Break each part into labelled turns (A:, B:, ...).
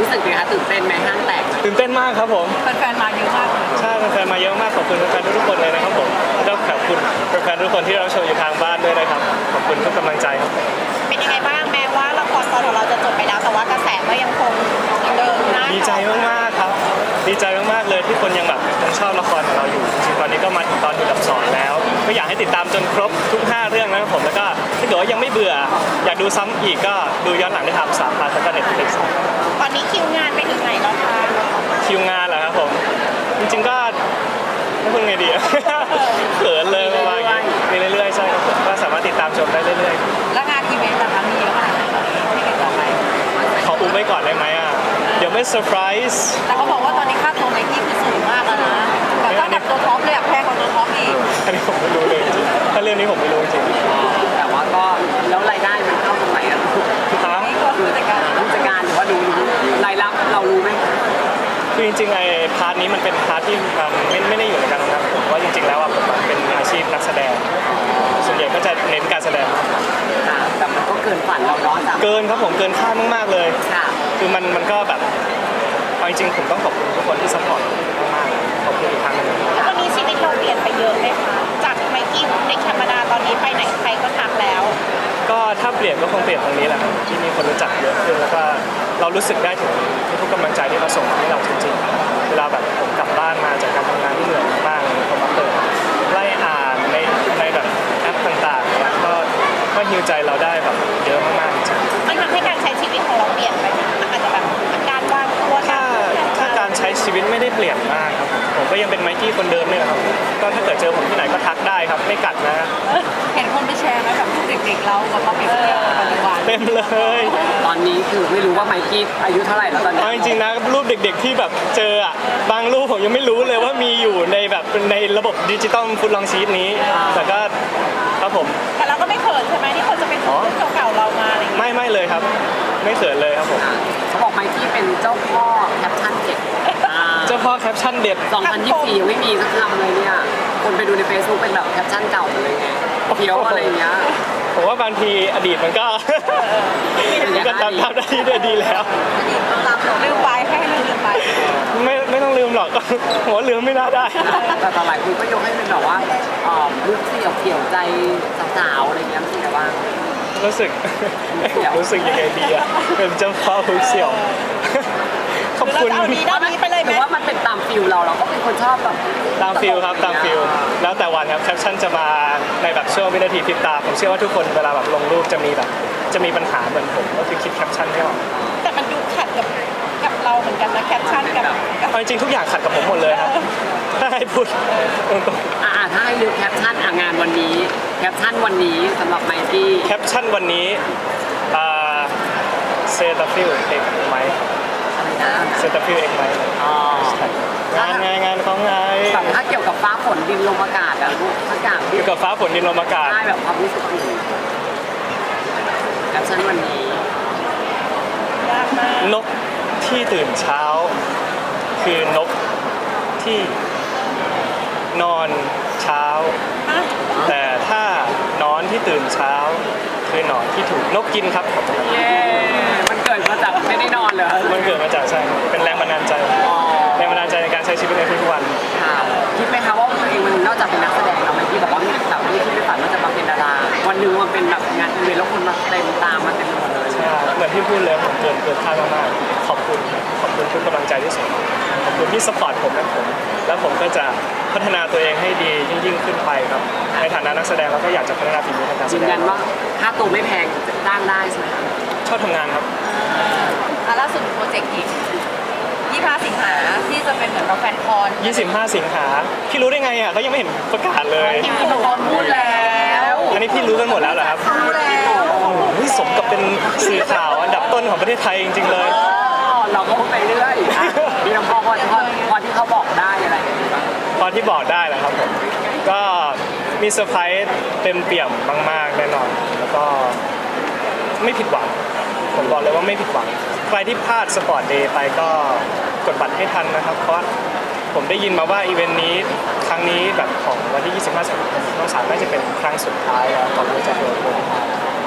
A: รู้สึกไงคะตื่นเต้นไหมห้างแตก
B: ตื่นเต้นมากครับผม
C: แฟนๆมาเยอะมากเลย
B: ใช่แฟนๆมาเยอะมากขอบคุณแฟนๆทุกคนเลยนะครับผมแล้วขอบคุณแฟนๆทุกคนที่เราชมอยู่ทางบ้านด้วยนะครับขอบคุณทุกกำลังใจครับ
C: เป็นยังไงบ้างแม้ว่าละครตอนของเราจะจบไปแล้วแต่ว่ากระแสก็ยังคงเดิมนะ
B: ดีใจมากๆครับดีใจมากๆเลยที่คนยังแบบยังชอบละครของเราอยู่จริงๆตอนนี้ก็มาถึงตอนที่ดับ2แล้วก็อยากให้ติดตามจนครบทุก5เรื่องนะครับผมแล้วก็ถ้าเกิดว่ายังไม่เบื่ออยากดูซ้ำอีกก็ดูย้อนหลังได้ทาง3 พาร์ทแล้วก็ Netflix
C: ตอนนี้คิวงานไปถึงไหนแล้วคะ
B: คิวงานเหรอครับผมจริงๆก็ไม่พูดไงดีเขินเลยประมาณนี้มีเรื่อยๆใช่ครับผมก็สามารถติดตามชมได้เรื่อย
C: ๆแล้วงานอีเวนต์นะคะมีเยอะขนาดไหนที่เกิดต่อไป
B: ขออุ้มไว้ก่อนได้ไหมอ่ะเดี๋ยวไม่เซอร์ไพรส์
C: แต่เขาบอกว่าตอนนี้ค่าตัวไนกี้คือสูงมากแล้วนะแต่ถ้าแบบตัวท็อปเลยแพงกว่าตัวท็อปอีก
B: อันนี้ผมไม่รู้เลยจริงถ้าเรื่องนี้ผมไม่รู้จริง
A: แต่ว่าก็แล้วรายได้มันเข้าตรงไหนอะ
C: นี่ก็ผู้จัด
A: การหรือว่าดูรายรับเรารู้ไหม
B: คือจริงๆไอ้พาร์ทนี้มันเป็นพาร์ทที่ไม่ได้อยู่ในการทำงานผมว่าจริงๆแล้วอ่ะผมเป็นอาชีพนักแสดงส่วนใหญ่ก็จะเน้นการแสดง
A: แต่มันก็เกินฝันเราเนาะ
B: เกินครับผมเกินคาดมากๆเลยคือมันก็แบบเอาจริงๆผมต้องขอบคุณทุกคนที่ซัพพอร์ตมากๆขอบคุณอีกครั้งนึง
C: แล้ววันนี้ชีวิตเราเปลี่ยนไปเยอะไหมคะจากไมกี้เด็กธรรมดาตอนนี้ไปไหนใครก็ทักแล้ว
B: ก็ถ้าเปลี่ยนก็คงเปลี่ยนตรงนี้แหละที่มีคนรู้จักเยอะขึ้นแล้วก็เรารู้สึกได้ถึงทุกกำลังใจที่เขาส่งให้เราจริงๆเวลาแบบผมกลับบ้านมาจากการทำงานที่เหนื่อยมากๆผมมาเปิดไล่อ่านในแบบแอปต่างๆแล้วก็ฮิวใจเราได้แบบเยอะมากๆจริง
C: มันทำให้การใช้ชีวิตของเราเปลี่ยนไปอาจจะแบบการวางตัว
B: ถ้าการใช้ชีวิตไม่ได้เปลี่ยนมากครับผมก็ยังเป็นไมกี้คนเดิมนี่แหละครับก็ถ้าเกิดเจอผมที่ไหนก็ทักได้ครับไม่กัดนะ
C: เห็นคนไปแชร์ไหมแบบเด็กๆเรากับมาเปรียบเทียบปัจจุบัน
B: เต็มเลย
A: ตอนนี้คือไม่รู้ว่าไมกี้อายุเท่าไหร่แล้วตอนนี้
B: จริงๆนะรูปเด็กๆที่แบบเจออ่ะบางรูปผมยังไม่รู้เลยว่ามีอยู่ในแบบในระบบดิจิตอลฟุตลองชีตนี้แต่ก็ครับผม
C: แต่เราก็ไม่เขินใช่ไหมที่คนจะเป็นรูปเก่าๆเรามาอะไร
B: ไม่เลยครับไม่เขินเลยครับผม
A: เขาบอกไมกี้เป็นเจ้าพ่อแคปชั่นเด็ด
B: เจ้าพ่อแคปชั่นเด็ด
A: 2024ยังไม่มีสักคำเลยเนี่ยคนไปดูใน Facebook เป็นแบบแคปชั่นเก่าเลยไงเพี้ยวอะไรเงี้ย
B: ผมว่าบางทีอดีตมันก็ตามได้ที่ดีแล้ว
C: ลืมไปให้ลืมไป
B: ไม่ต้องลืมหรอกผมว่าลืมไม่น่าได้
A: แต่หลายคนก็ยกให้เป็นแบบว่าลูกเสี่ยวเกี่ยวใจสาวๆอะไรเงี้ยรู้สึกไงบ้าง
B: รู้สึกยังไงดีอะเป็นเจ้าพ่อลูกเสี่ยวขอบคุณ
C: ด้านนี้ไปเลยไหม
A: ว่ามันเป็นตามฟิลเราก็เป็นคนชอบแบบ
B: ตามฟิลครับตามฟิลแล้วแต่วันครับแคปชั่นจะมาในแบบช่วงวินาทีพริบตาผมเชื่อว่าทุกคนเวลาแบบลงรูปจะมีปัญหาเหมือนผมก็คือคิดแคปชั่นไม่ออก
C: แต่มันดูขัดกับเราเหมือนกันนะแคปชั่นกับ
B: จริงทุกอย่างขัดกับผมหมดเลยครับถ้าให้พูดตรง
A: ๆถ้าให้ดูแคปชั่นงานวันนี้แคปชั่นวันนี้สำหรับไมกี้
B: แคปชั่นวันนี้เซตาฟิลเอกไหมเซตาฟิลเอกไหมงานของไง
A: ถ้าเกี่ยวกับฟ้าฝนดินลมอากาศอะทุกอย่าง
B: เกี่ยวกับฟ้าฝนดินลมอากาศ
A: ใช่แบบความรู้สึกแคปชั่นวันนี้
B: นกที่ตื่นเช้าคือนกที่นอนเช้าแต่ถ้านอนที่ตื่นเช้าคือหนอนที่ถูกนกกินครับ
A: มันเกิดมาจากไม่ได้นอนเหรอ
B: มันเกิดมาจากใช่เป็นแรงบันดาลใจในการใช้ชีวิตในทุกวัน
A: คิดไหมคะว่าตัวเองมันนอกจากเป็นนักแสดงแล้วไมกี้บอกว่าแบบไม่คิดไม่ฝันว่าจะมาเป็นดาราวันหนึ่งมันเป็นแบบงานอีเวนต์แล้วคนมาเต็มตามมาเต็มหมดเลย
B: ใช่เหมือนที่พูดเลยผมเกินคาดมากๆขอบคุณทุกกำลังใจที่ส่งขอบคุณที่สปอร์ตผมแล้วผมก็จะพัฒนาตัวเองให้ดียิ่งขึ้นไปครับในฐานะนักแสดงเราก็อยากจะพัฒนาฝีมือทางการแสดง
A: ยืนยันว่าค่าตัวไม่แพงจ้างได้ใช่ไหม
B: ชอบทำงานครับ
C: ล่าสุดโปรเจกต์อีก25 สิงหาที่จะเป็นเหมือนเราแฟนคอน
B: 25 สิงหาพี่รู้ได้ไงอ่ะเขายังไม่เห็นประกาศเลย
C: พี่พูดแล้ว
B: อันนี้พี่รู้กันหมดแล้วเหรอครับ
C: รู้แล้ว
B: สมกับเป็นสื่อข่าวอันดับต้นของประเทศไทยจริงๆเลย
A: เราก็พูดไปเรื่อยมีพอที่เขาบอกได้อะไร
B: พอที่บอกได้แหละครับผมก็มีเซอร์ไพรส์เต็มเปี่ยมมากๆแน่นอนแล้วก็ไม่ผิดหวังผมบอกเลยว่าไม่ผิดหวังใครที่พลาดสปอร์ตเดย์ไปก็กดบัตรให้ทันนะครับเพราะผมได้ยินมาว่าอีเวนต์นี้ครั้งนี้แบบของวันที่25 สิงหาคมน้องสาวน่าจะเป็นครั้งสุดท้ายแล้วก่อนที่จะโดนโกง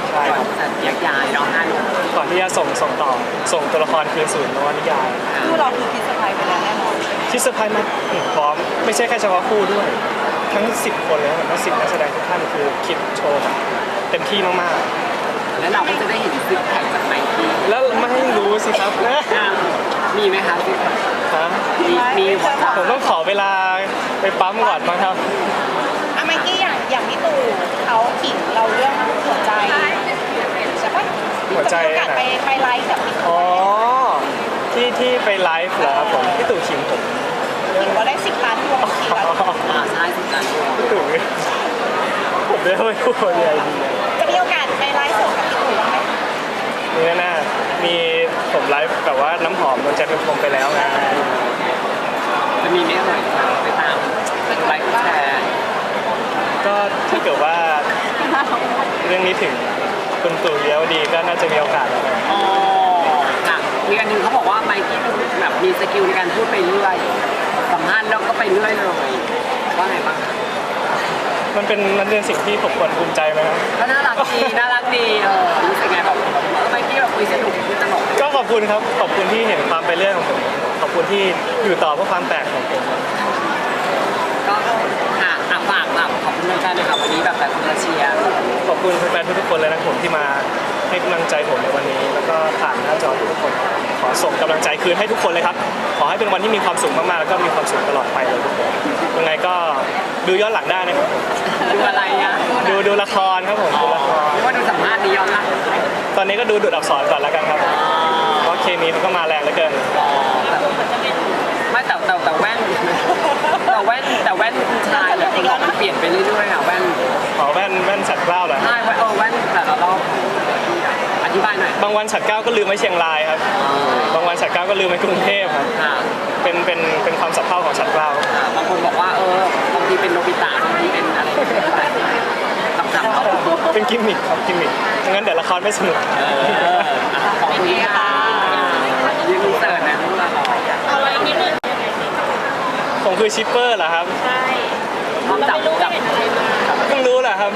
B: ใช่
A: ก่อ
B: คน รับ
A: จะแยกย้ายเนาะ5 หนุ่ม
B: ก่อนที่จะส่งต่อส่งตัวละครคืนสู่นวนิยาย
C: คู่เราคือคิดสบายไปแล้วแน่นอน
B: ที่เซอร์ไพรส์มากพร้อมไม่ใช่แค่เฉพาะคู่ด้วย ทั้ง 10 คนเลยนะทั้ง10 นักแสดงทุกท่านคือคิดโชว์แบบเต็มที่มาก
A: แล้วเราก็จะได้เห็นซิกแพคจากไมค์กี้
B: ๆ แล้วไม่รู้สิครับนะ
A: มีไหมคะซิกแพค
B: ฮะ
A: มีหัวใจ
B: ผมต้องขอเวลาไปปั๊มก่อนมั้งครับ
C: อะไมกี้อย่างพี่ตู่เขาขิงเราเรื่องหัวใจใช่ปะ
B: หัวใจ
C: มีโอกาส
B: ไหน
C: ไปไลฟ์กับพี่
B: อ๋
C: ตู่
B: อที่ไปไลฟ์เหรอครับผมพี่ตู่ขิงผม
C: ขิงว่าได้10 ล้านดวงขิงแล้ว
A: ใช่สิบล้านดวง
B: พี่ตู่ผมได้ไม่พูดอะไรดี
C: จะมีโอกาสไปไลฟ์สดกับพี่ตู่บ้างไหม
B: นี่แน่ๆมีผมไลฟ์แบบว่าน้ำหอมโดนใจเป็นพรมไปแล้วไง
A: จะมีไหมเอ่ยไปตามไลค์แชร์
B: ก็ถ้าเกิดว่าเรื่องนี้ถึงคุณตู่เลี้ยวดีก็น่าจะมีโอกาสแล้วนะ
A: อ๋อค่ะมีอันหนึงเขาบอกว่าไมค์กี้แบบมีสกิลในการพูดไปเรื่อยสัมภาษณ์แล้วก็ไปเรื่อยเลยว่าไงบ้างคะ
B: มันเป็นสิ่งที่ผมควรภูมิใจไหมครับ
A: ก็น่ารักดีน่ารักดีรู้สึกไงแบบไมค์กี้แบบคุยสนุกคุยตลก
B: ก็ขอบคุณครับขอบคุณที่เห็นความไปเรื่อยของผมขอบคุณที่อยู่ต่อเพื่อความแปลกของผม
A: ก็ค่ะฝากแบบขอบคุณแฟนๆด้วยค่ะวันนี้แบบแต่คนมาเชียร์
B: ขอบคุณแฟนๆทุกๆคนเลยนะผมที่มาให้กำลังใจผมในวันนี้ แล้วก็ผ่านหน้าจอทุกคนขอส่งกำลังใจคืนให้ทุกคนเลยครับขอให้เป็นวันที่มีความสุขมากๆแล้วก็มีความสุขตลอดไปเลยทุกคนยังไงก็ดูย้อนหลังได้นะครับ
A: ดูอะไรอ่ะ
B: ดูละครครับผมดูละคร
A: หรือว่าดูสัมภาษณ์นี้ย้อนหลัง
B: ตอนนี้ก็ดูดูดอักษรก่อนแล้วกันครับเพราะเคมีมันก็มาแรงเหลือเกิน
A: ไม่แต่แว่นแต่แว่นผู้ชายแบบคนเรามันเปลี่ยนไปเรื่อยๆอ่ะแว่น
B: ขอแว่นฉัดเกล้าเหรอ
A: ใช่แว่นแต่ละรอบอธิบายหน่อย
B: บางวันฉัดเกล้าก็ลืมไว้เชียงรายครับบางวันฉัดเกล้าก็ลืมไว้กรุงเทพครับ
A: ค่ะ
B: เป็นความสับเพร่าของฉัดเกล้า
A: บางคนบอกว่าบางทีเป็นโนบิตะบางทีเป็นอะไรคำๆเขา
B: เป็นกิมมิคครับกิมมิคงั้นเดี๋ยวละครไม่สนุก
A: ขอบคุณค่ะยืนเสิร์ฟนะลูกละคร
C: เอาไว้นิดนึง
B: ผมคือชิปเปอร์เหรอครับ
C: ใช่
A: ความจับ
B: เพิ่งรู้เหรอครับ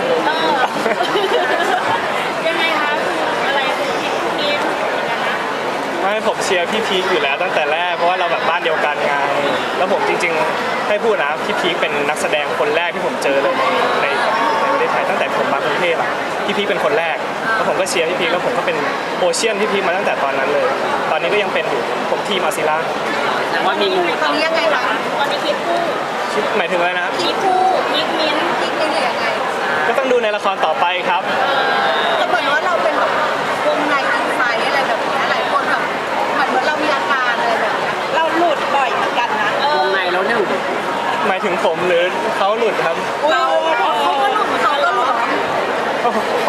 C: ยังไงคะอะไรคือคิดพวกนี้นะ
B: ไม่ผมเชียร์พี่พีคอยู่แล้วตั้งแต่แรกเพราะว่าเราแบบบ้านเดียวกันไงแล้วผมจริงๆให้พูดนะพี่พีคเป็นนักแสดงคนแรกที่ผมเจอเลยในประเทศไทยตั้งแต่ผมมากรุงเทพอ่ะพี่พีคเป็นคนแรกแล้วผมก็เชียร์พี่พีคแล้วผมก็เป็นโอเชียนพี่พีคมาตั้งแต่ตอนนั้นเลย ตอนนี้ก็ยังเป็นอยู่ผมทีมอาซิล่า
A: แต่ว่ามีงู
C: ตอนนี้ยังไงคะตอนนี้คิดคู่
B: หมายถึงอะไรนะครับ
C: คิดคู่คิดมิ้นคิดมิ้นหรือยังไง
B: ก็ต้องดูในละครต่อไปครับ
C: แต่เหมือนว่าเราเป็นแบบวงในอินไซด์อะไรแบบนี้หลายคนแบบเหมือนเรามีอาการอะไรแบบนี้เราหลุดบ่อยเหมือนกันนะ
A: วงในแล้วหนึ่ง
B: หมายถึงผมหรือเขาหลุดครับ
C: เราเขาก็หลุดเขาก็หลุด
B: โอ้โห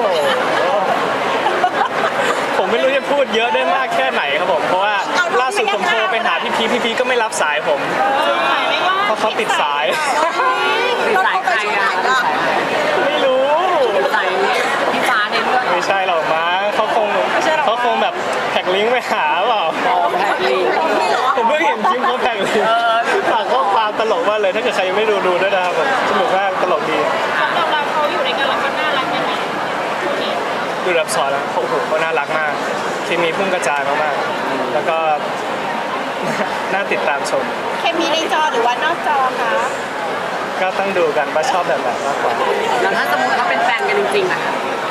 B: ผมไม่รู้จะพูดเยอะได้มากแค่ไหนครับผมเพราะว่าล่าสุดผมโทรไปหาพี่พีก็ไม่รับสายผม
C: ไม่ว่า
B: เพราะเขาติดสาย
A: ติดสายใครอ่ะติดสายใคร
B: ไม่รู้
A: ติดสายพี่ฟ้าในเรื่อง
B: ไม่ใช่หรอกมั้งเขาคงแบบแท็กลิงก์ไปหาเปล่า
A: แพทลี
B: ผมเพิ่งเห็นคลิปเขาแท็กลิงก์ฝากข้อความตลกมากเลยถ้าเกิดใครยังไม่ดูด้วยนะครับผมสนุกมากตลกดี
C: สำหรับเราเขาอยู่ในกันแล้วเขาน่ารักยังไงคู่นี้
B: ดูรับสอนแล้วโอ้โหเขาน่ารักมากเคมีพุ่งกระจายมากๆแล้วก็ น่าติดตามชม
C: เคมีในจอหรือว่านอกจอคะ
B: ก็ต้องดูกันว่าชอบแบบไหนมากกว่า
A: แล้วถ้าสมมติเขาเป็นแฟนกันจริงๆอ่ะ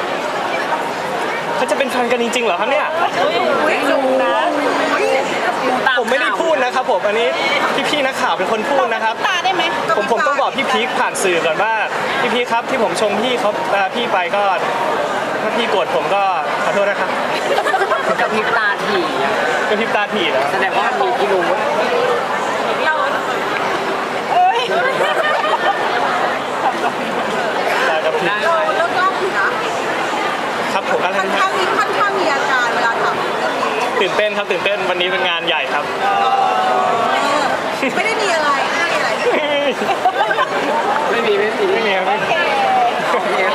B: เขาจะเป็นแฟนกันจริงๆเหรอครับเนี่ย
A: ไม่รู้นะ
B: ผมไม่ได้พูดนะครับผมอันนี้พี่ๆนักข่าวเป็นคนพูดนะครับ
C: ตาได้ไหม
B: ผมต้องบอกพี่พีคผ่านสื่อก่อนว่าพี่พีคครับที่ผมชมพี่เขาพี่ไปก็ถ้าพี่โกรธผมก็ขอโทษนะครับ
A: กับพริบตาถี่อะ
B: ก็พริบตาถี่แล้ว
A: แสดงว่ามันมีพิรุธ
C: เราเอ้ย
B: แต่กับพี่
A: ได้
D: เรา
A: เลย
D: เลิกเล่าอยู่นะครับ
B: ผมอะไร
D: ค่อน
B: นะ
D: ข้างมีอาการเวลาถามเรื่องนี้
B: ตื่นเต้นครับตื่นเต้นวันนี้เป็นงานใหญ่ครับ
D: ไม่ได้มีอะไรไม่ได้มีอะไร
A: ไม่มี
B: ไม่มีครับ
C: โอเค
A: โอเค